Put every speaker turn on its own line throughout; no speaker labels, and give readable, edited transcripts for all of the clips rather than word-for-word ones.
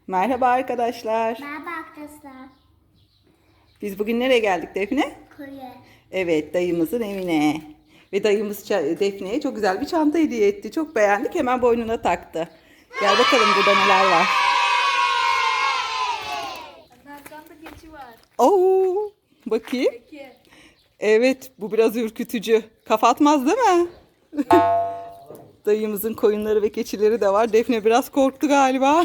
Merhaba arkadaşlar.
Merhaba arkadaşlar.
Biz bugün nereye geldik Defne?
Koyu.
Evet, dayımızın evine. Ve dayımız Defne'ye çok güzel bir çanta hediye etti. Çok beğendik, hemen boynuna taktı. Gel bakalım burada neler var.
Arkamda keçi var.
Oo, bakayım.
Peki.
Evet, bu biraz ürkütücü. Kafa atmaz değil mi? Dayımızın koyunları ve keçileri de var. Defne biraz korktu galiba.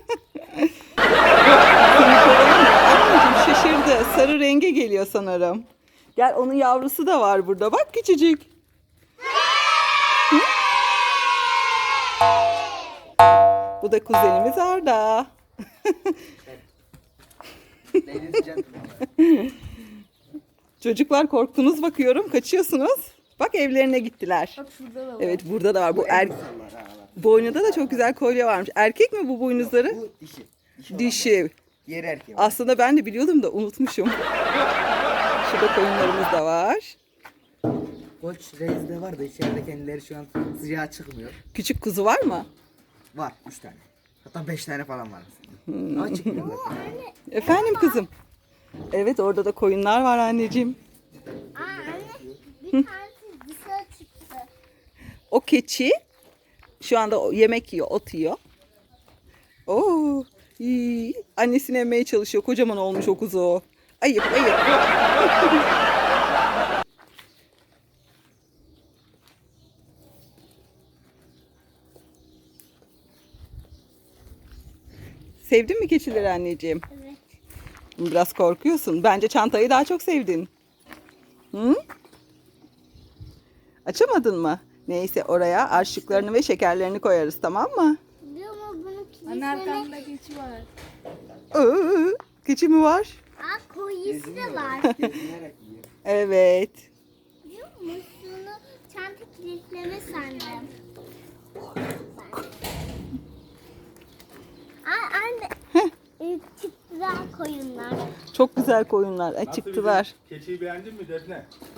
Anneciğim şaşırdı. Sarı renge geliyor sanırım. Gel, onun yavrusu da var burada. Bak küçücük. Hı? Bu da kuzenimiz Arda. Çocuklar korktunuz bakıyorum. Kaçıyorsunuz. Bak evlerine gittiler.
Bak şurada da var.
Evet, burada da var. Bu boynunda da çok güzel kolye varmış. Erkek mi bu boynuzları?
Bu dişi.
Dişi.
Diğer erkeği.
Aslında ben de biliyordum da unutmuşum. Şurada koyunlarımız da var.
Koç reis de var da içeride kendileri şu an sıcağa çıkmıyor.
Küçük kuzu var mı?
Var 3 tane. Hatta 5 tane falan var. Ama çıkmıyorlar.
Efendim kızım. Evet, orada da koyunlar var anneciğim.
Anne bir tanesi dışarı çıktı.
O keçi şu anda yemek yiyor, ot yiyor. Oo, iyi. Annesini emmeye çalışıyor. Kocaman olmuş o kuzu. Ayıp, ayıp. Sevdin mi keçileri anneciğim?
Evet.
Biraz korkuyorsun. Bence çantayı daha çok sevdin. Hı? Açamadın mı? Neyse, oraya harçlıklarını ve şekerlerini koyarız, tamam mı?
Biliyor musun bunun
Anne
kilisini?
arkamda keçi var.
Keçi mi var?
Koyusu da var.
Gezinerek yiyor.
Evet.
Biliyor musun? Bunu çanta kilitleme sandım. Anne. Çıktılar koyunlar.
Çok güzel koyunlar. Çıktılar.
Keçiyi beğendin mi Defne?